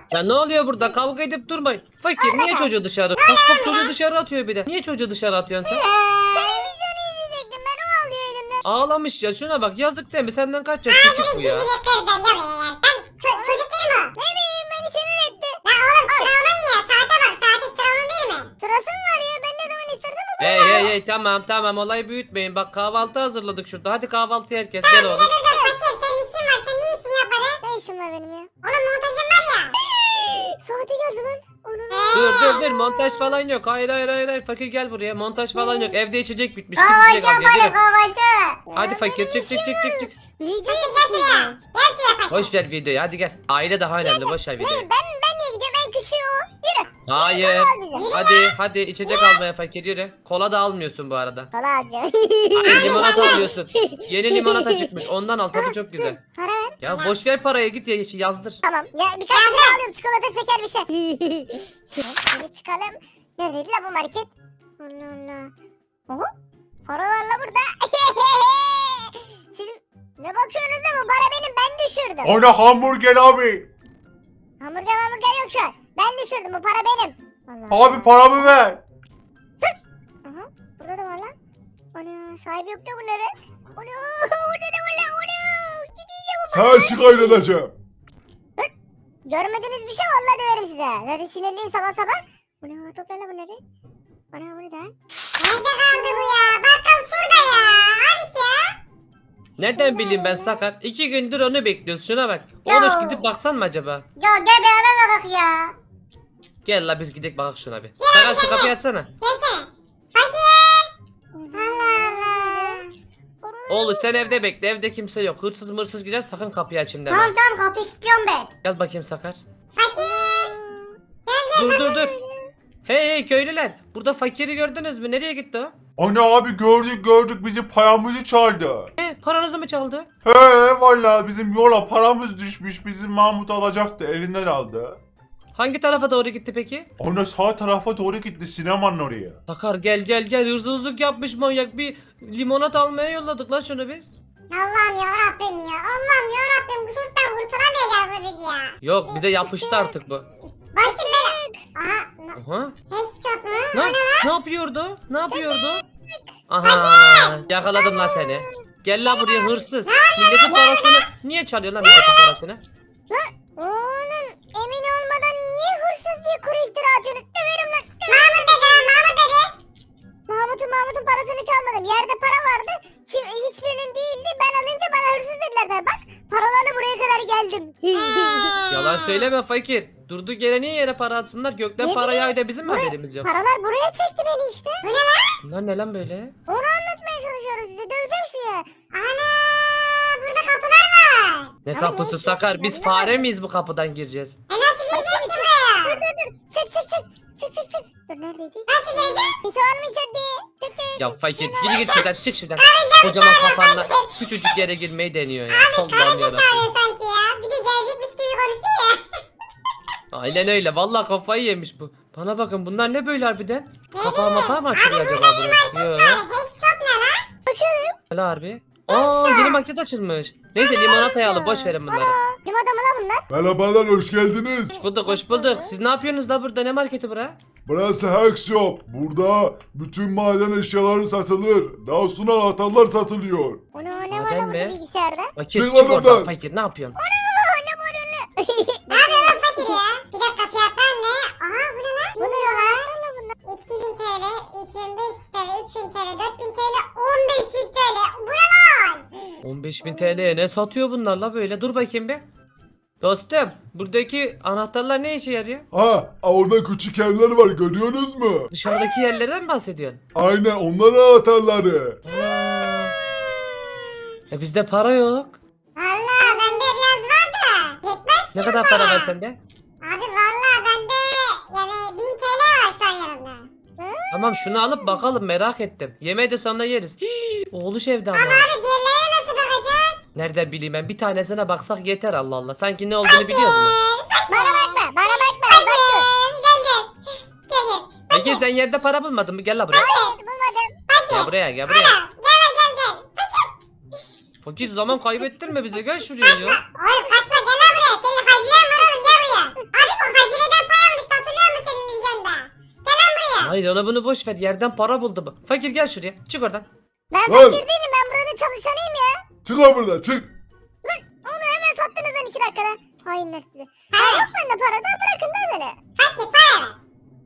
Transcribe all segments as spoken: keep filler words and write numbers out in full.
Ya ne oluyor burada? Kavga edip durmayın. Fakir niye çocuğu dışarı? Bak bak çocuğu dışarı atıyor bir de. Niye çocuğu dışarı atıyorsun sen? Televizyonu izleyecektim ben, o ağlıyor elimde. Ağlamış ya, şuna bak, yazık değil mi? Senden kaç yaş küçük bu ya? Gidip kırdım ya ya. Ben ço- çocuk değil mi o? Ne bileyim, beni sinir etti. Ya oğlum sıra onun ya. Saate bak. Saate sıra onun değil mi? Sırası mı var ya, ben ne zaman istersem o zaman. Hey hey hey, tamam tamam, olayı büyütmeyin. Bak kahvaltı hazırladık şurada. Hadi kahvaltı herkes gel oğlum. Dur dur fakir, senin işin var. Sen niye işini yapmadın? Ne işim var benim ya? Oğlum montajın var ya. Saati geldi lan. Onun. Dur dur dur, montaj falan yok. Hayır hayır hayır hayır, fakir gel buraya. Montaj falan yok. Evde içecek bitmiş. Git içecek al gel. Yürü. kahvaltı. Hadi fakir çık çık çık çık çık. Video Fakir gel şuraya. Gel şuraya fakir. Boş ver videoyu, hadi gel. Aile daha önemli, boş ver Ne, videoyu. ben ben niye gidiyorum, en küçüğü o. Yürü. Hayır. Bize. Hadi hadi içecek almaya fakir, yürü. Kola da almıyorsun bu arada. Sana alacağım. Hayır, limonata alıyorsun. Yeni limonata çıkmış, ondan al, tadı çok güzel. Para ver. Ya boş ver parayı, git ya yazdır. Tamam. Ya birkaç şey alıyorum, çikolata, şeker, bir şey. Şöyle çıkalım. Neredeydi la bu market? Allah Allah. Oho. Para var la burada. Siz ne bakıyorsunuz da, bu para benim, ben düşürdüm. Ana hamburger abi. Hamburger hamburger yok şu an. Ben düşürdüm, bu para benim. Allah. Abi paramı ver. Aha, burada da var lan. Ana, sahibi yok da bunların. Ana, orada da var lan. Ana, gidince bu Sen şikayet edeceğim. görmediğiniz bir şey, vallahi döverim size. Hadi sinirliyim sabah sabah. Ana, toplarla bunları. Ana, bunu da. Nerede kaldı bu ya? Bakkal şurada ya. Abi ya. Nereden bileyim ben Sakar? İki gündür onu bekliyoruz, şuna bak. Oğluş gidip baksan mı acaba? Ya gel beraber bakak ya. Gel la biz gidelim bakak şuna bir. Sakar şu kapıyı açsana. Gelsene. Fakir. Allah Allah. Oğlum sen evde bekle, evde kimse yok. Hırsız mırsız girer, sakın kapıyı açayım deme. Tamam tamam, kapıyı kilitliyorum ben. Gel bakayım Sakar. Fakir. Gel gel. Dur dur dur. Hey hey köylüler, burada fakiri gördünüz mü? Nereye gitti o? Ana abi gördük gördük, bizim paramızı çaldı. E, paranızı mı çaldı? He vallahi bizim yola paramız düşmüş, bizim Mahmut alacaktı, elinden aldı. Hangi tarafa doğru gitti peki? Ona sağ tarafa doğru gitti, sinemanın oraya. Sakar gel gel gel, hırsızlık yapmış manyak, bir limonat almaya yolladık lan şunu biz. Allah'ım ya Rabbim ya. Allah'ım ya Rabbim, bu çocuktan kurtulamayacağız mı biz ya? Yok, bize yapıştı artık bu. Başım bela. Aha. Aha. Hiç çok mu? Ne, ne yapıyordu? Ne yapıyordu? Aha, yakaladım lan seni. Gel lan buraya hırsız. Milletin parasını niye çalıyor lan milletin parasını? Oğlum, emin olmadan niye hırsız diye kuru iftira atıyorsunuz? Döverim lan. Mahmut dedi ha, Mahmut dedi. Mahmut'un Mahmut'un parasını çalmadım. Yerde para vardı. Kim, hiçbirinin değildi. Ben alınca bana hırsız dediler de. Bak, paralarla buraya kadar geldim. Yalan söyleme fakir. Durduk yere niye yere para atsınlar? Gökten Ne para bileyim, yağıyor da bizim mi buraya- haberimiz yok? Paralar buraya çekti beni işte. Bunlar ne lan böyle? Onu anlatmaya çalışıyorum size. Döveceğim size. Ana, burada kapılar var. Ne Abi kapısı ne işi- Sakar? Biz Ya fare miyiz bu kapıdan gireceğiz? E nasıl gireceğiz ki buraya? Dur dur dur. Çık çık çık. Çık çık çık. Dur, neredeydi? Nasıl gireceğiz? Kimse var mı içeride? Çık çık. Ya fakir gir git şuradan, çık şuradan. Kocaman kafanla küçücük yere girmeyi deniyor ya. Allah'ım Karınca yarabbim. çağırıyor sanki ya. Bir de gelecekmiş gibi konuşuyor ya. Aynen öyle. Vallahi kafayı yemiş bu. Bana bakın, bunlar ne böyle harbiden? Kapağı mapağı mı açılıyor acaba burası? Yok. Hiç çok ne lan? Öyle harbi. Aa, yeni market açılmış. Neyse limonatayı alıp boş verin bunları. Kim adamı la bunlar? Merhabalar, hoş geldiniz. Hoş bulduk hoş bulduk. Siz ne yapıyorsunuz da burada? Ne marketi bura? Burası Hack Shop. Burada bütün maden eşyaları satılır. Daha sonra anahtarlar satılıyor. Onu ne var Maden lan burada mi? bilgisayarda? Fakir Çık çık lan oradan oradan. fakir, ne yapıyorsun? Ne var öyle? Ne yapıyor lan fakir ya? Bir dakika, fiyatlar ne? Aha bu ne lan? Bu ne bin dolar. bunlar? iki bin TL, üç bin beş yüz TL, üç bin TL, dört bin TL, on beş bin TL. Bu ne lan? on beş bin T L'ye ne satıyor bunlar la böyle? Dur bakayım bir. Dostum, buradaki anahtarlar ne işe yarıyor? Ha, orada küçük evler var, görüyorsunuz mu? Dışarıdaki yerlerden mi bahsediyorsun? Aynen, onlar anahtarları. Aa. E bizde para yok. Valla bende biraz var da. Yetmez Ne ki kadar bu para var sende? Abi valla bende yani bin TL var şu an yanımda. Tamam, şunu alıp bakalım, merak ettim. Yemeği de sonra yeriz. Hii, oğluş evde ama. Abi diğerlerine nasıl bakacağız? Nereden bileyim ben, bir tanesine baksak yeter, Allah Allah. Sanki ne olduğunu biliyoruz mu? Bana bakma, bana bakma. Fakir, Bak. gel gel. Gel gel. Peki sen yerde para bulmadın mı? Gel la buraya. Hayır, bulmadım. Gel buraya, gel buraya. Gel gel gel. Fakir zaman kaybettirme bize, gel şuraya ya. Oğlum kaçma, gel lan buraya. Senin haziran var oğlum, gel buraya. Abi Hayır onu bunu boş ver. Yerden para buldu bu. Fakir gel şuraya. Çık oradan. Ben Lan. fakir değilim, ben buranın çalışanıyım ya. Çık lan buradan çık. Onu hemen sattınız lan iki dakikada. Hainler size. Ha, yok bende para da, bırakın da beni. Fakir para ver.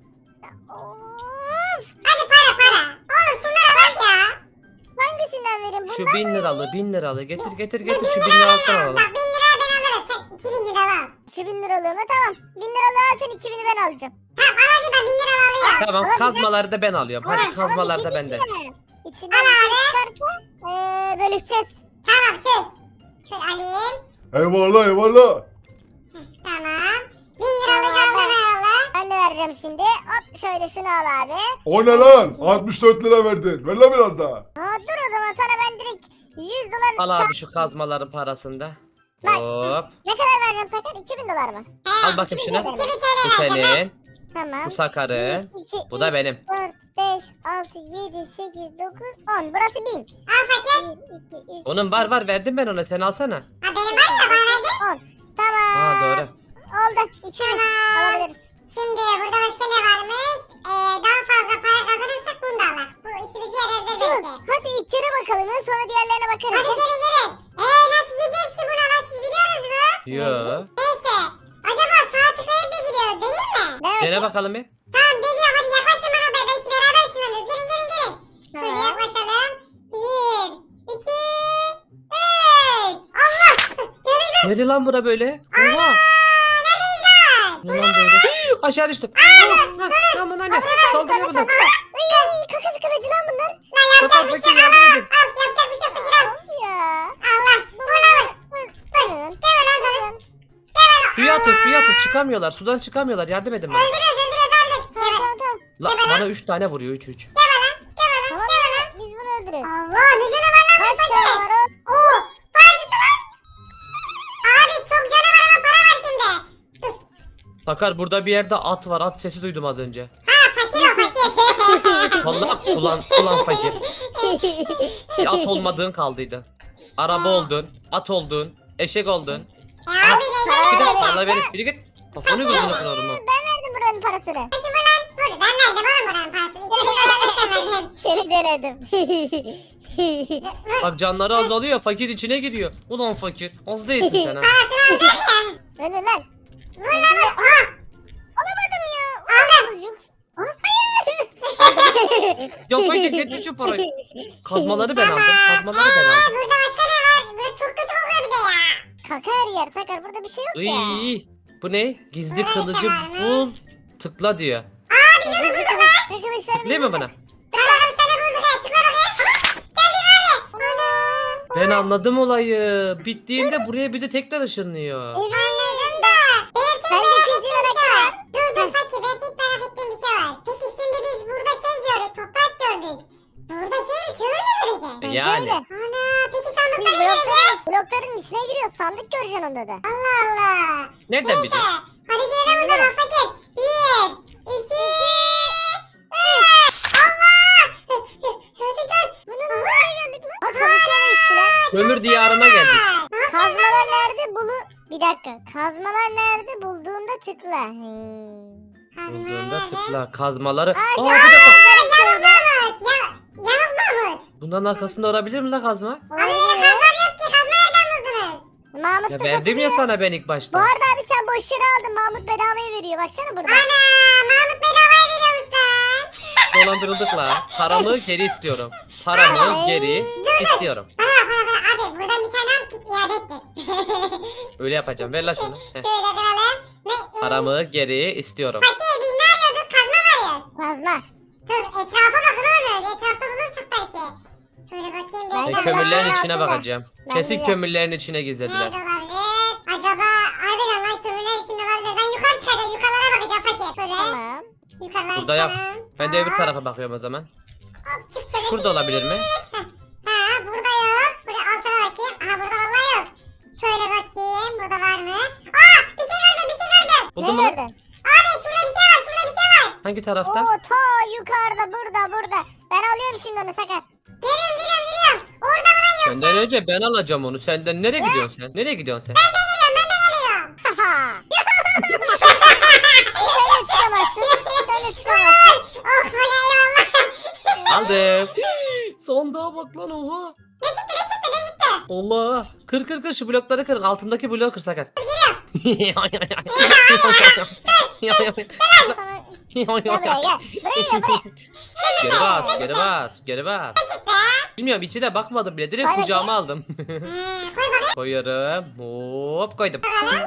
Of. Hadi para para. Oğlum şunlara bak ya. Hangisinden vereyim? Şu Bundan bin liralığı bin liralığı getir getir getir bin şu bin lira liralıktan ver. alalım. Bak bin lira ben alırım. Sen iki bin lira al. iki bin liralığı mı? Tamam. bin liralığı al, sen iki bini ben alacağım. Tamam al hadi ben bin lira alıyorum. Tamam Ama kazmaları da ben alıyorum. Hadi Ama kazmalar bir da şey bende. diyeceğim. İçinden bir şey çıkarsa eee bölüşeceğiz. Tamam söz. Şöyle alayım. Eyvallah eyvallah. Tamam. Bin liralık aldın herhalde. Ben de vereceğim şimdi. Hop şöyle şunu al abi. O ne lan? altmış dört lira verdin. Ver lan biraz daha. Aa, dur o zaman sana ben direkt yüz dolar Al kar- abi şu kazmaların parasını da. Bak. Hop. Ne kadar vereceğim Sakar? iki bin dolar mı? He, Al bakayım şunu. iki bin Bu T L vereceğim. senin. Tamam. Bu Sakar'ın. bir, iki, Bu da üç, benim. dört, beş, altı, yedi, sekiz, dokuz, on. Burası bin. Al fakir. bir, iki, üç, Onun var var verdim ben ona. Sen alsana. Ha benim var ya bana verdin. on. Tamam. Ha doğru. Oldu. iki bin. Tamam. Alabiliriz. Şimdi burada başka ne varmış? Ee, daha fazla para kazanırsak bunu da alır. Bu işimizi yarar Dur. belki. Hadi ilk kere bakalım ya, sonra diğerlerine bakarız. Hadi gelin gelin. Eee nasıl gideceğiz ki buna lan siz biliyorsunuz mu? Yo. Neyse. Acaba sağ tıklayıp da gidiyoruz değil mi? Evet. Dene bakalım bir. Tamam geliyor hadi yaklaşın bana be. Belki beraber ışınlanırız. Gelin gelin gelin. Şöyle Tamam. yaklaşalım. Bir, iki, üç. Allah. Gördün mü? Nerede lan bura böyle? Oha. Neredeyiz lan? Ne lan böyle? Aşağı düştüm. Oh, lan, lan bana ne? Saldırıyor bunlar. Ay, kakası kılıcı lan bunlar. Lan yapacak Sakar bir fakir şey al. yardım edin. Al yapacak bir şey yok, fakir al. Of ya. Allah. Vur lan vur. Buyurun. Gel lan sana. Gel lan. Suya atın suya atın. Çıkamıyorlar. Sudan çıkamıyorlar. Yardım edin bana. Öldürüyoruz öldürüyoruz öldür. Tamam Gel tamam tamam. La, bana üç tane vuruyor. üç üç. lan. Gel lan. Tamam Gel lan. biz bunu öldürürüz. Allah ne canavar lan bu Kaç fakir. canavar o? Oo. Para çıktı lan. Abi çok canavar ama para var şimdi. Dur. Sakar burada bir yerde at var. At sesi duydum az önce. Ha fakir o fakir. Vallahi ulan ulan fakir. Bir at olmadığın kaldıydı. Araba oldun. At oldun. Eşek oldun. Ya abi Bir ne de ne bana verip biri git. Kafanı gözünü kırarım ha. Ben verdim buranın parasını. Peki bu lan. Dur ben verdim oğlum buranın parasını. İki bin lira sen verdin. Seni denedim. Bak canları azalıyor. Fakir içine giriyor. Ulan fakir. Az değilsin sen ha. Parasını alacak ya. Öyle lan. Vur lan vur. Aha. Alamadım ya. Aldım. Ah, hayır. Ya fakir getir şu parayı. Kazmaları ben aldım. Kazmaları ben Ee, aldım. burada başka ne var? Burada çok kötü kokuyor bir de ya. Kaka her yer Sakar, burada bir şey yok ya. Iy, bu ne? Gizli Neyse kılıcı var mı? bul. Tıkla diyor. Arkadaşlar Tıklayayım mı bana? Tamam sana bulduk ya. Tıkla bakayım. Aha. Geldin abi. Ana. Ben anladım olayı. Bittiğinde buraya bizi tekrar ışınlıyor. Evet. Anladım da. Benim tek Ben de merak ikinci ettiğim bir olarak şey var. Dur dur fakir benim tek merak ettiğim bir şey var. Peki şimdi biz burada şey gördük. Toprak gördük. Burada şey mi kömür mü göreceğiz? E Bence yani. öyle. Ana peki Biz sandıkları ne göreceğiz? blokların, blokların içine giriyoruz. Sandık göreceksin onda da. Allah Allah. Nereden Neyse. biliyorsun? Hadi girelim o zaman fakir. Bir, iki, üç. Allah. Çocuklar. Bunu nereye geldik lan? Aa, çalışıyor işçiler. Kömür diyarına geldik. Kazmalar nerede bulu... Bir dakika. Kazmalar nerede bulduğunda tıkla. Hmm. Bulduğunda tıkla. Kazmaları. Ay, Aa bir dakika. Yamuk Mahmut. Ya, yamuk Mahmut. Bunların arkasında olabilir mi la kazma? Abi benim kazmam yok ki. Kazma nereden buldunuz? Mahmut Ya da verdim ya katılıyor. sana ben ilk Bu başta. arada abi sen boş yere aldın. Mahmut bedavaya veriyor. Baksana burada. Ana Mahmut bedavaya veriyormuş lan. Dolandırıldık la. Paramı geri istiyorum. Paramı geri istiyorum. Bana bak bana bak abi buradan bir tane al git iade ettir. Öyle yapacağım. Ver la şunu. Heh. Şöyle duralım. Ne? e, Paramı geri istiyorum. Fakir biz ne arıyorduk? Kazma mı arıyoruz? Kazma. Dur etrafa bakın oğlum öyle. Etrafta bulursak belki. Şöyle bakayım bir. Ben E, Etrafta kömürlerin bakın. içine bakacağım. Ben Kesin de- kömürlerin içine gizlediler. Nerede olabilir? Acaba harbiden lan kömürler içinde olabilir. Ben yukarı çıkacağım. Yukarılara bakacağım fakir. Şöyle. Tamam. Yukarılara Burada yok. çıkalım. Ben de öbür Hop, tarafa bakıyorum o zaman. hop, çık şöyle. Burada olabilir mi? Ha burada yok. Buraya altına bakayım. Aha burada vallahi yok. Şöyle bakayım. Burada var mı? Aa bir şey gördüm bir şey gördüm. Buldun Ne mu? gördün? Abi şurada bir şey var. Şurada bir şey var. Hangi tarafta? Oo ta yukarıda burada burada. Ben alıyorum şimdi onu Sakar. Geliyorum geliyorum geliyorum. Orada mı lan yok? Senden önce ben alacağım onu. Senden nereye gidiyorsun sen? Nereye gidiyorsun sen? Ben de geliyorum ben de geliyorum. Haha. Sen de çıkamazsın. Sen de çıkamazsın. Oh hayır aldım. Sandığa bak lan oha. Ne çıktı ne çıktı ne çıktı? Allah. Kır kır kır şu blokları kırın. Altındaki bloğu kır Sakar. Sana... Gel buraya gel. Buraya gel buraya. Geri bas, geri bas, geri bas. Ne çıktı? Bilmiyorum içine bakmadım bile. Direkt Koy kucağıma aldım. Ha, koy bakayım. Koyuyorum. Hop koydum.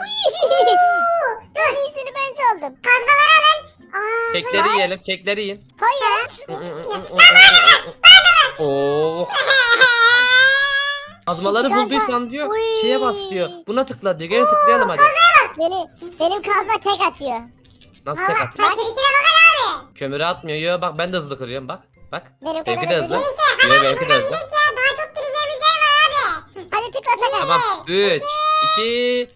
En iyisini ben çaldım. Kazmaları alın. Aa, Kekleri yiyelim, kekleri yiyin. Koy ya. Oo. Kazmaları Çıkarma. bulduysan diyor. Uy. Şeye bas diyor. Buna tıkla diyor. Gene tıklayalım hadi. Beni, benim kazma tek atıyor. Nasıl tek Valla at? fakir içine bakın abi. Kömürü atmıyor. Yo, bak ben de hızlı kırıyorum bak. Bak. Benim Benimki kadar de hızlı hızlı. değil. Yo, benimki de hızlı. Gidelim ya daha çok gireceğimiz yer var abi. Hadi tıkla tıkla. Tamam. üç, iki.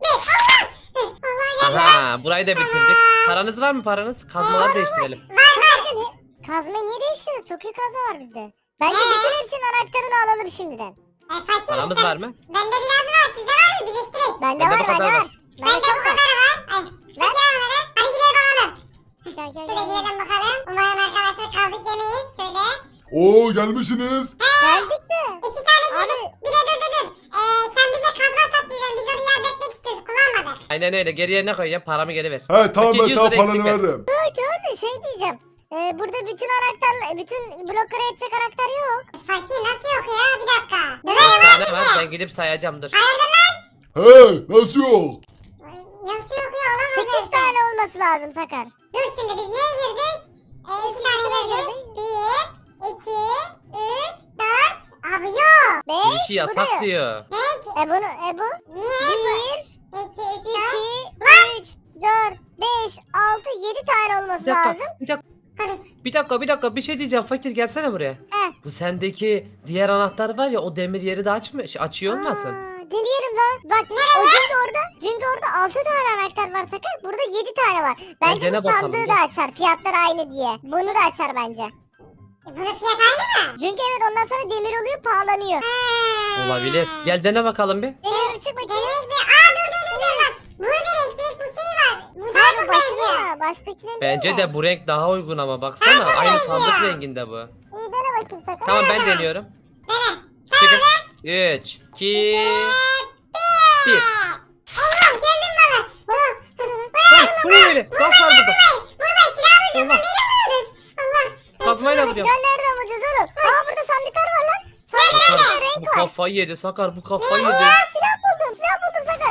Allah Aha, burayı da bitirdik. Paranız var mı paranız? Kazmaları değiştirelim. Kazmayı niye değiştiriyoruz? Çok iyi kazma var bizde. Bence bütün hepsinin anahtarını alalım şimdiden. E, fakir Paramız sen- var mı? Bende biraz var sizde var mı? Birleştirek. Bende Bende var, bu kadar bende var. var. Bende Bende bu çok var. kadar var. Ay. Fakir onları. Hadi gidelim alalım. Gel gel Şöyle gel. gidelim bakalım. Umarım arkadaşlar kaldık yemeyiz. Şöyle. Oo gelmişsiniz. Geldik de. İki tane Abi. girdik. Bir de dur dur dur. Ee, sen bize kazma sat diyeceksin. Biz onu iade etmek istiyoruz. Kullanmadık. Aynen öyle. Geriye ne koyayım? Paramı geri ver. He tamam Peki, ben yüz sana lira paranı eksik ver. veririm. Öyle şey diyeceğim. Ee, burada bütün anahtarlar, bütün bloklara yetecek anahtar yok. Fakir nasıl yok ya? Bir dakika. Bir Döverim tane abi var. sizi. Ben gidip sayacağım dur. Hayırdır lan? He nasıl yok? Nasıl yok ya? Olamaz öyle sekiz şey. tane olması lazım Sakar. Dur şimdi biz neye girdik? Ee, iki tane girdik. Bir, iki, üç, dört. Abi yok. beş, Girişi bu da yasak yok. diyor. Ne? E bunu, e bu? Niye? bir, İki, üç, dört. iki, üç, dört, beş, altı, yedi tane olması Bir dakika. lazım. Bir dakika. Konuş. Bir dakika bir dakika bir şey diyeceğim fakir gelsene buraya. Heh. Bu sendeki diğer anahtar var ya o demir yeri de açmıyor, şey, açıyor olmasın? Aa, deneyelim lan. Bak o çünkü orada, çünkü orada altı tane anahtar var Sakar. Burada yedi tane var. Bence dene bu bakalım, sandığı gel. da açar. Fiyatlar aynı diye. Bunu da açar bence. E, bunun fiyatı aynı mı? Çünkü evet ondan sonra demir oluyor pahalanıyor. Ha. Olabilir. Gel dene bakalım bir. Deneyelim çık bakayım. Deneyik bir. Aa dur dur dur dur. dur. Burada direkt direkt bu şey var. Bu daha Hayır çok bu benziyor. başka. Baştakine Bence değil de bu renk daha uygun ama baksana. çok Aynı benziyor. sandık renginde bu. İyi dene bakayım Sakar. Tamam ben deniyorum. Dene. Çekil. üç, iki, bir. Allah geldim bana. Lan bu ne böyle? Gaz var burada. Burada silah mı? Allah. Nereye vuruyoruz? Allah. Kazmayla vuruyorum. Gel nereden bulacağız oğlum? Aa burada sandıklar var lan. Sandıklarda Sakar bu renk var. kafayı yedi Sakar bu kafayı yedi. Aa silah buldum silah buldum Sakar.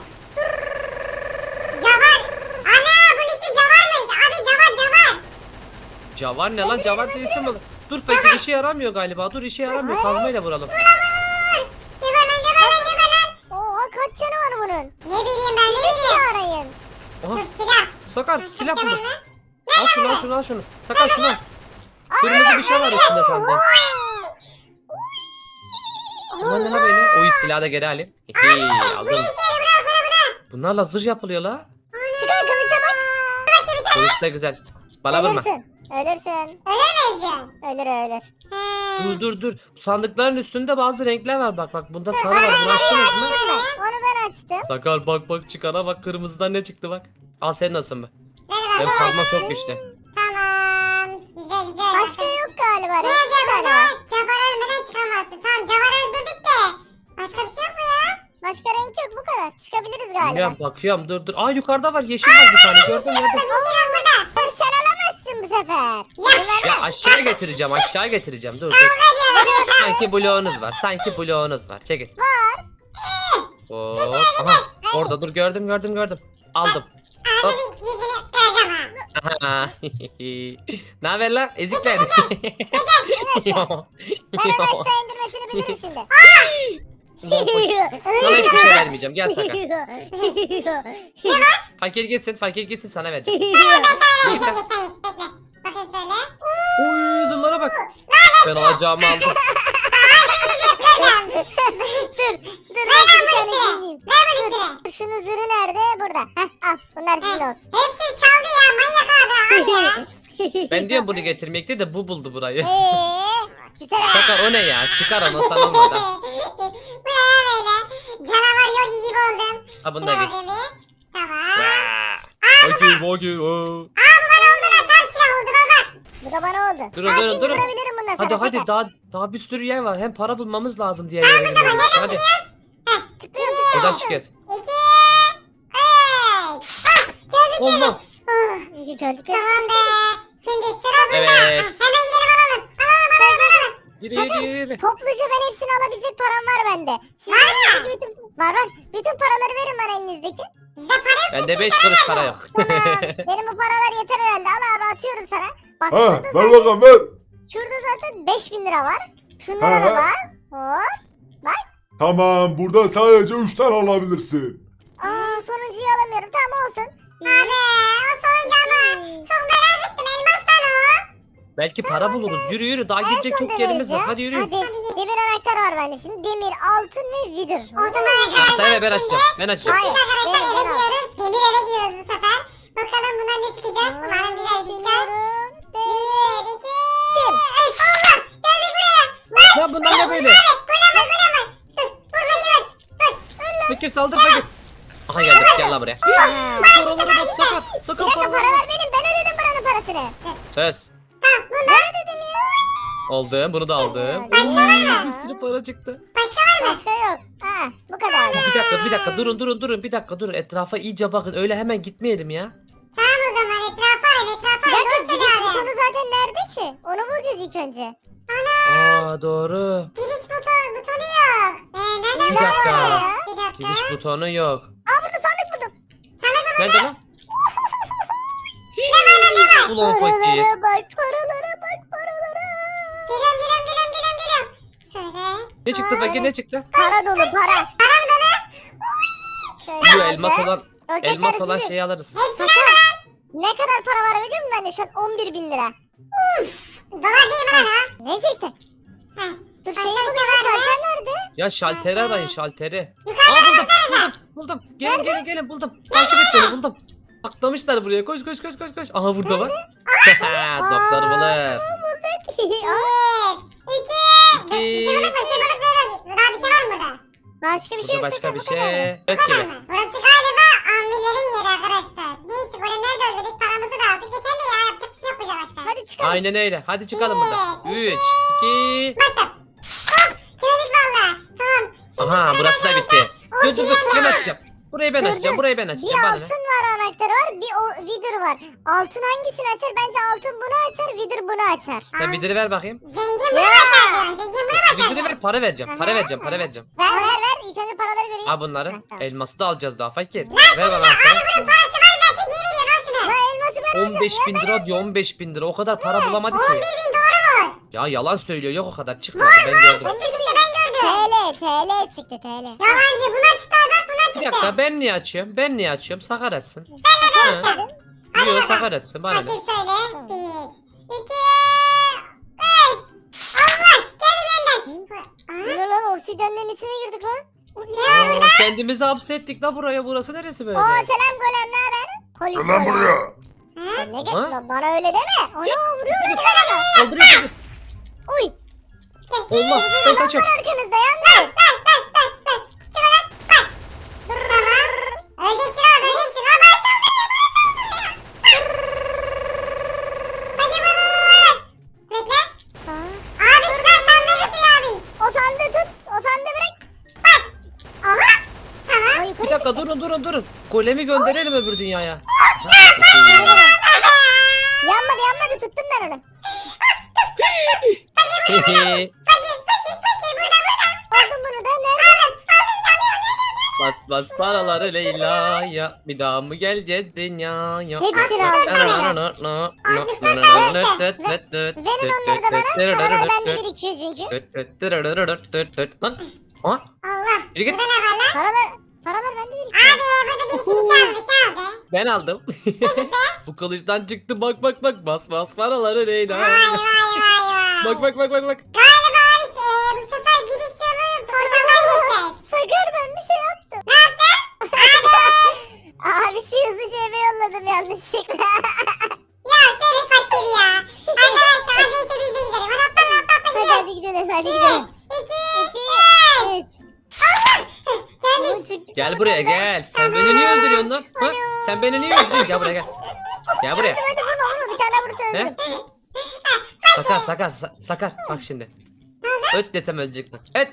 Cavar. Ana bunun ismi Cavar'mış. Abi Cavar Cavar. Cavar ne lan? Cavar değilsin mi? Dur fakir işe yaramıyor galiba. Dur işe yaramıyor. Kazmayla vuralım. Geber lan geber lan geber lan. Oha kaç canı var bunun? Ne bileyim ben ne bileyim. Silah arayın. Aha Dur silah. Sakar Dur, silah Cavar buldum. mı? Al şunu al şunu al şunu. Sakar şunu al. Kırmızı bir şey var üstünde sende. Aman ne la böyle? Oy silahı da geri alayım. Hihi, aldım. Seni bırak bırak bırak. Bunlarla zırh yapılıyor la. Çıkar kılıça bak. Başka bir tane. Kılıç da güzel. Bana vurma. Ölürsün. Ölürsün. Ölür müyüz diyorsun? Ölür ölür. He. Dur dur dur. Bu sandıkların üstünde bazı renkler var bak bak. Bunda sarı var. Bunu açtınız mı? Onu ben açtım. Sakar bak bak çıkana bak. Kırmızıdan ne çıktı bak. Al senin olsun bu. Hadi Benim bakalım. kazma çok güçlü. Tamam. Güzel güzel. Başka yok galiba. Ne Renk bir yazıyor tane burada? var. Cavar ölmeden çıkamazsın. Tamam Cavar'ı öldürdük de. Başka bir şey yok mu ya? Başka renk yok bu kadar. Çıkabiliriz galiba. Bilmiyorum bakıyorum dur dur. Aa yukarıda var yeşil var bir tane gördün mü? Burada bir şey yok burada. Dur sen alamazsın bu sefer. Ya. Ya aşağı getireceğim aşağı getireceğim dur dur. Sanki bloğunuz var sanki bloğunuz var çekil. Var. Hop. Aha orada dur gördüm gördüm gördüm. Aldım. Hop. Ağzını yüzünü kıracağım ha. Aha. Ne haber lan ezikler. Ben en aşağı indirmesini bilirim şimdi. Sana hiçbir şey vermeyeceğim gel Sakar. Fakir gitsin fakir gitsin sana vereceğim. Bekle bekle bekle. Bakın şöyle. Uy zırhlara bak. Ben alacağımı aldım. dur, dur ben bir tane giyineyim. Ver bunu üstüne. Şunun zırhı nerede? Burada. Heh al bunlar sizin olsun. Hepsini çaldı ya manyak abi. Al ya. Ben diyorum bunu getirmekti de bu buldu burayı. Eee güzel ha. Sakar o ne ya çıkar onu sana olmadan. Bu ne ya böyle? Canavar yogi gibi oldum. Ha bunu Şuna da git. bakayım bir. Tamam. Fakir fakir. Aa bu bana oldu lan. Tam silah oldu baba. Bu da bana oldu. Durun, Ha, durun, şimdi durun. vurabilirim ondan sonra Hadi hadi tekrar. daha daha bir sürü yer var. Hem para bulmamız lazım diğer yere gitmemiz için. Hadi Tıklıyorum. buradan çıkıyoruz. İki. Üç. Ah geldik geldik. Allah. Oh, İyi geldik. tamam be. Şimdi sıra bunda. Evet. Ah, hemen gidelim alalım. Alalım alalım alalım. Yürü yürü yürü. Topluca ben hepsini alabilecek param var bende. Sizin elinizdeki bütün... Var var. Bütün paraları verin bana elinizdeki. Bizde para yok. Bende beş kuruş para yok. Tamam. Benim bu paralar yeter herhalde. Al abi atıyorum sana. Bak Ha, şurada, ver zaten, bakalım ver. şurada zaten beş bin lira var. Şunlara Ha, da ha. bak. Hop. Tamam, burada sadece üç tane alabilirsin. Aa sonuncuyu alamıyorum. Tamam olsun. Abi o sonuncu ama çok merak ettim. Elmastan o. Belki para buluruz. Yürü yürü daha gidecek En son çok yerimiz var. deneyeceğim. Hadi yürü. Hadi. Demir anahtar var bende şimdi. Demir, altın ve vidir. O zaman Haftaya arkadaşlar ben şimdi açacağım. Ben açacağım. Hayır. Şimdi arkadaşlar benim, eve benim. giriyoruz. Demir eve giriyoruz bu sefer. Bakalım bundan ne çıkacak. Umarım güzel bir şey çıkar. Bir, iki, üç. Allah! Geldik buraya. Lan! Ya bunlar ne böyle? Abi golem var golem var. Dur vur fakir vur. Dur. Fakir saldır fakir. Aha geldik gel lan buraya. Paralara bak sakar. Bir Sakar dakika paralara. paralar benim. Ben ödedim buranın parasını. Söz. Tamam bunu. Ben ödedim ya. Aldım bunu da aldım. Başka var mı? Bir sürü para çıktı. Başka var mı? Başka yok. Ha bu kadar. Bir dakika bir dakika durun durun durun bir dakika durun. Etrafa iyice bakın öyle hemen gitmeyelim ya. Tamam o zaman etrafa arayın etrafa Bir arayın. dakika Doğru giriş söylüyor abi. butonu zaten nerede ki? Onu bulacağız ilk önce. Aa doğru. Giriş butonu, butonu yok. Ee, nereden Bir dakika. ya? Bir dakika. Giriş butonu yok. Aa burada sandık buldum. Nerede lan? Ulan fakir. Paralara bak paralara bak paralara. Geliyorum geliyorum geliyorum geliyorum geliyorum. Şöyle. Ne çıktı fakir ne çıktı? Para dolu para. Para mı dolu? Şöyle Şu aldım. elmas olan Roketler elmas olan sizin. şeyi alırız. Hepsini Sakar. al. Ne kadar para var biliyor musun bende? Şu an on bir bin lira. Dolar değil mi lan o? Neyse işte. Heh. Dur Başka şeyi bir şey bulalım. var mı? Şalter nerede? Ya şalteri arayın şalteri. Yukarıda Aa buldum buldum buldum. Gelin gelin gelin buldum. Takip et beni buldum. Atlamışlar buraya koş koş koş koş koş. Aha burada bak. Doktor bulur. Bir, iki. İki. Bir şey bulduk mu? Bir şey bulduk mu? Daha bir şey var mı burada? Başka bir şey Burada yok. başka Sakar, bir bu kadar. şey yok Tamam gibi. mı? Burası galiba ammilerin yeri arkadaşlar. Neyse golemleri de öldürdük paramızı da aldık. Yeterli ya yapacak bir şey yok burada başka. Hadi çıkalım. Aynen öyle. Hadi çıkalım buradan. Bir, Üç, iki. Bastım. Hop geldik valla. Tamam. Şimdi Aha sıra burası da bende. bitti. Dur dur dur ben Obsidian. açacağım. Burayı ben Dur, açacağım. dur. Burayı ben Bir açacağım. Bana ne? altın var anahtarı var. Bir o vidir var. Altın hangisini açar? Bence altın bunu açar. Vidir bunu açar. Sen vidiri ver bakayım. Zengin bunu Ya. açar diyorum. Zengin bunu açar Vidiri diyorum. ver para vereceğim. Para vereceğim para vereceğim. Ver ver ver. İlk önce paraları göreyim. Ha bunları. Ha, tamam. Elması da alacağız daha fakir. Ver bana anahtarı. Bunun parası var zaten. Niye veriyorsun al şunu? Ha elması ben alacağım. on beş ya, bin ben lira diyor on beş bin lira. O kadar para bulamadı on ki. bir bin doğru mu? Ya yalan söylüyor yok o kadar çıkmadı ben gördüm. Çıktı çıktı ben gördüm. T L T L çıktı T L. Yalancı buna çıktı bak buna Bir çıktı. dakika ben niye açıyorum? Ben niye açıyorum? Sakar açsın. Açtım. Yok sakar açsın bana ne? Açayım şöyle. Bir, iki, üç. Allah geldi benden. Bu ne lan obsidyenlerin içine girdik lan. Aa, kendimizi hapsettik la buraya. Burası neresi böyle? Oo selam golem ne haber? Polis Gel lan golem. buraya. Ha? Ne gel Ha? lan bana öyle deme. Ana vuruyor. Kaldırıyor bizi. Uy. Allah ben kaçıyorum. Arkanızda yandı. Tamam. Öleceksin abi öleceksin. Abi ben saldırıyorum ben saldırıyorum. Hadi vur vur vur. Bekle. Abi şuradan sandığı götürüyor abi. O sandığı tut. O sandığı bırak. Aha. Tamam. Ay yukarı Bir dakika durun durun durun. Golemi gönderelim öbür dünyaya. Yanmadı yanmadı tuttum ben onu. Fakir fakir fakir burada burada. Aldım bunu da nerede? Aldım aldım yanıyor yanıyor. Bas bas paraları Leyla'ya. Bir daha mı geleceğiz dünyaya? Hepsini aldım. Verin onları da bana. Paralar bende birikiyor çünkü. Lan. Aha, Allah. yürü git. Burada ne var lan? Paralar, paralar bende birikiyor. Abi burada birisi bir şey aldı bir şey aldı. Ben aldım. Bu kılıçtan çıktı bak bak bak bas bas paraları Vay Leyla. vay vay vay. Bak bak bak bak bak. Galiba abi şey, bu sefer gidiş yolu portaldan geçeceğiz. Sakar ben bir şey yaptım. Ne yaptın? Abi. Abi şey hızlıca eve yolladım yanlışlıkla. Ya senin fakir ya. Arkadaşlar hadi ise biz de gidelim. Hadi atla atla atla Hadi gidiyoruz. hadi gidelim hadi Bir, gidelim. iki, İki, üç. üç. Geldik. Çıktık Gel buraya gel. Sen beni niye öldürüyorsun lan? Ha? Sen beni niye öldürüyorsun? Gel buraya gel. Gel buraya. Hadi hadi vurma vurma bir tane vursa He? öldürürüm. Sakar sakar sa- sakar bak şimdi. Öt desem ölecek bak. Öt.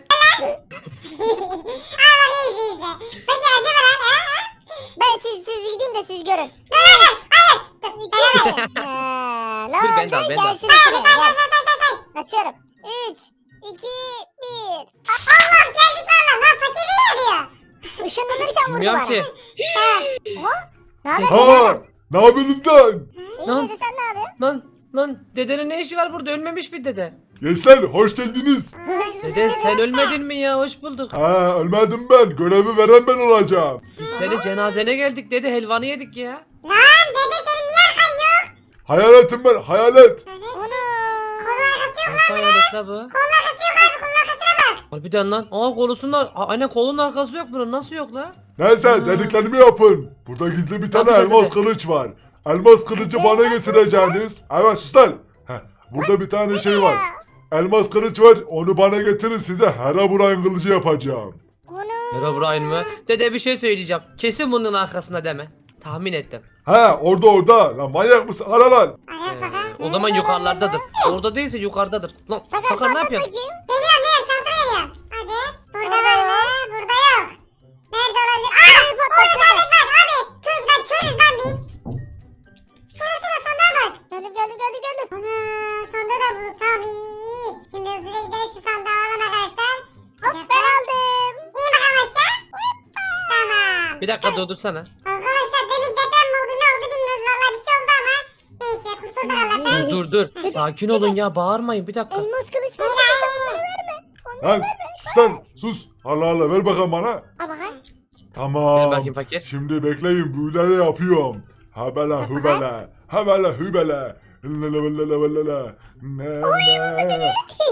Al bakayım izle izle. Fakir acı mı lan? Ha, ha? Ben siz siz gidin de siz görün. Dur dur dur. Hayır. Dur. Sen al. Ha, ne Dur, oldu? ben de al, ben de al. Gel şimdi şuraya, Say gel. say say say say. Açıyorum. üç, iki, bir. Allah geldik valla. Lan fakir niye arıyor? Işınlanırken vurdu Bilmiyorum bana. ki. Oha. Ne haber? Ha, ne yapıyorsunuz lan? İyi Lan. dedi, sen ne yapıyorsun? Lan lan dedenin ne işi var burada, ölmemiş bir dede. Gençler hoş geldiniz. Dede sen ölmedin mi ya, hoş bulduk. Ha, ölmedim ben. Görevi veren ben olacağım. Biz senin cenazene geldik dede, helvanı yedik ya. Lan dede senin niye arkan yok? Hayaletim ben, hayalet. Evet. Onu. Kolun arkası yok. Nasıl hayalet la bu? Kolun arkası yok abi. Kolun arkasına bak. Harbiden lan. Aa kolusunda, Aa, aynen kolun arkası yok bunun, nasıl yok la? Neyse Ha. dediklerimi yapın. Burada gizli bir tane Yapacağız elmas dede. kılıç var. Elmas kılıcı bana getireceğiniz. Evet sus lan. Heh, burada bir tane şey var. Elmas kılıç var. Onu bana getirin, size Herobrine kılıcı yapacağım. Onu. Herobrine mı? Dede bir şey söyleyeceğim. Kesin bunun arkasında deme. Tahmin ettim. Ha orada orada. Lan manyak mısın? Ara lan. Araya Ee, bakalım. o zaman yukarılardadır. Orada değilse yukarıdadır. Lan Sakar, Sakar ne patlat yapıyorsun? bakayım. Geliyorum geliyorum şanslı geliyorum. Hadi. Burada var mı? Burada yok. Nerede olabilir? Aa! Orada sandık var abi. Köyden körüz lan biz. Şurada şurada sandığa bak. Geldim geldim geldim geldim. Ana sandığı da bulduk tamam iyi. Şimdi hızlıca gidelim şu sandığı alalım arkadaşlar. Hop ben aldım. İyi bakalım aşağı. Tamam. Bir dakika durdursana. Arkadaşlar demin deprem mi oldu ne oldu bilmiyoruz valla bir şey oldu ama. Neyse kurtulduk Allah'tan. Dur dur dur. Sakin olun ya, bağırmayın bir dakika. Elmas kılıç var. Lan sus lan. Sus. Allah Allah ver bakalım bana. Al bakayım. Ver Tamam. bakayım fakir. Şimdi bekleyin büyüleri yapıyorum. Habala hubala. Habala hubala. Lala lala lala. Ne ne.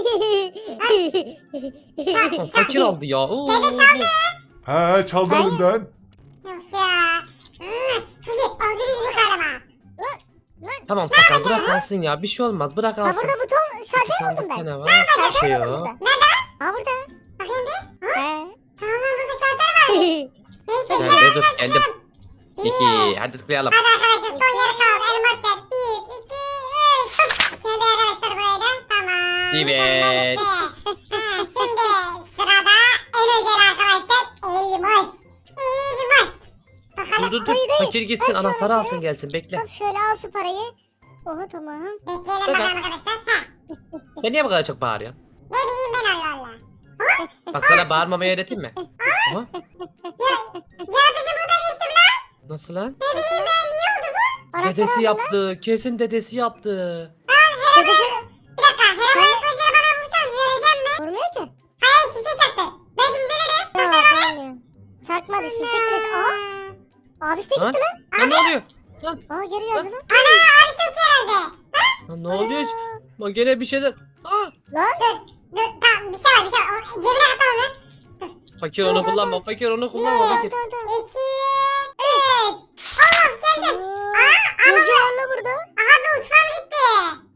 Lan fakir aldı ya. Oo. He çaldı Hayır. elinden. Yok ya. Hmm, Fugit ağzını yüzünü karama. Tamam Sakar, bırak alsın ya, bir şey olmaz, bırak Ha alsın. burada buton Peki şalter buldum sandıkta ben. ne var? Bir şey yok. Ha burada. Bakayım bir. He. Tamam lan burada şalter var. Neyse Ben gel. de dur geldim. İki, hadi tıklayalım. Hadi arkadaşlar son yeri kaldı. Elmas yer. Bir, iki, üç. Şimdi arkadaşlar burayı da. Tamam. Evet. Sonunda bitti. Ha, şimdi sırada en özel arkadaşlar. Elmas. Elmas. Bakalım. Dur dur dur, Hayır, hayır. fakir gitsin, Ben şu anahtarı an- alsın gelsin, bekle. Hop şöyle al şu parayı. Oha tamam. Bekleyelim Sakar. bakalım arkadaşlar. Heh. Sen niye bu kadar çok bağırıyorsun? Ne bileyim ben Allah Allah. Bak sana bağırmamayı öğreteyim mi? Aha, Ya, yaratıcı burada geçtim lan. nasıl lan? Ne bileyim ben niye oldu bu? Anahtarı Dedesi aldım lan. yaptı, kesin dedesi yaptı. Dedesi- Bir dakika. Herobrine kılıcını bana vursanız vereceğim mi? Vurmuyor ki. Hayır şimşek çaktı. Ben izlerim. Yok olmuyor. Çakmadı şimşek kılıç. Aha. Abi işte Lan, gitti lan. lan ne oluyor? Lan, Aa geri geldi lan. Ana abi işte uçuyor herhalde. lan ne oluyor? Bak gene bir şeyler. Aa, Lan. Dur dur tamam bir şey var bir şey var. O, cebine at onu. fakir onu kullanma, fakir onu kullanma Bir, fakir. Tamam tamam. iki, üç. Allah geldim. Aa, Yolcu var lan burada. Aha bir uçmam gitti.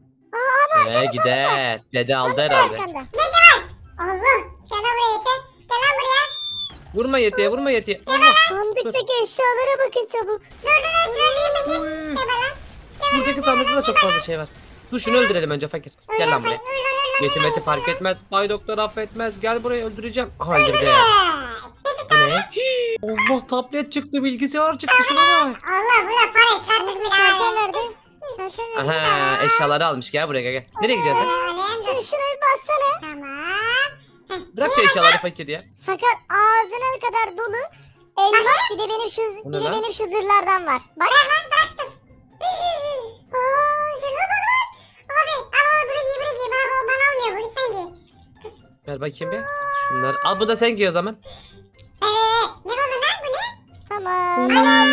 Aa abi Ee gider. Dede aldı herhalde. arkanda. Yedi var. Allah. Gel lan buraya yeter. Gel lan buraya. Vurma yetiye, vurma yetiye. Allah. Sandıktaki eşyalara bakın çabuk. Dur dur dur şunu öldüreyim bakayım. Uy. Gel lan. Buradaki sandıkta da çok fazla şey var. Dur şunu öldürelim önce fakir. Gel lan buraya. Öl lan öl lan. Yetimeti fark etmez. Bay doktor affetmez. Gel buraya, öldüreceğim. Aha öldürdü. Öldür. Bu ne? Allah, tablet çıktı, bilgisayar çıktı, şuna bak. Allah burada para çıkarttık mı Şalter daha? nerede? Şalter nerede? Aha eşyaları almış, gel buraya gel. gel. Nereye gidiyorsun sen? Alayım dur. Şunu şuna bir bassana. Tamam. Bırak şu eşyaları fakir ya. Sakar ağzına kadar dolu. Elmas bir de benim şu Bu bir ne de lan? benim şu zırhlardan var. Bak. Ooo zırha bak lan. Abi ama bunu giy bunu giy. Bana, bana olmuyor bunu sen giy. Ver bakayım bir. Şunları al, bu da sen giy o zaman. Evet. Ne buldun lan bu ne? Tamam.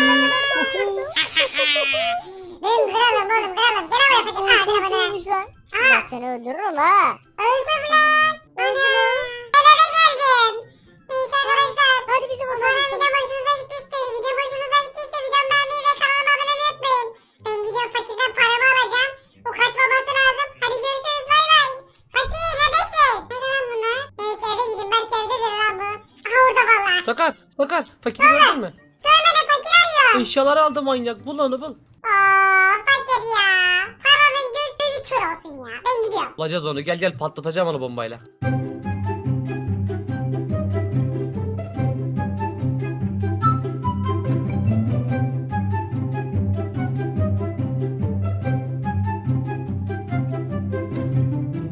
Benim kralım oğlum kralım. Gel buraya fakir. Aa Çok gel bana. iyiymiş lan. Ben seni öldürürüm ha. Öldüm lan. Ana. Ben eve geldim. Neyse arkadaşlar. Hadi bizim Umarım odamıza. videom hoşunuza gitmiştir. Videom hoşunuza gittiyse videomu beğenmeyi ve kanalıma abone olmayı unutmayın. Ben gidiyorum fakirden paramı alacağım. O kaçmaması lazım. Hadi görüşürüz bay bay. Fakir neredesin? Nerede lan bunlar? Neyse eve gidin belki evdedir lan bu. Aha orada valla. Sakar, Sakar. Fakiri gördün mü? Görmeden fakir arıyor. Eşyaları aldı manyak. Bul onu bul. Aa fakir ya. Paranın göz gözü kör olsun. olsun ya. Ben gidiyorum. Bulacağız onu. Gel gel patlatacağım onu bombayla.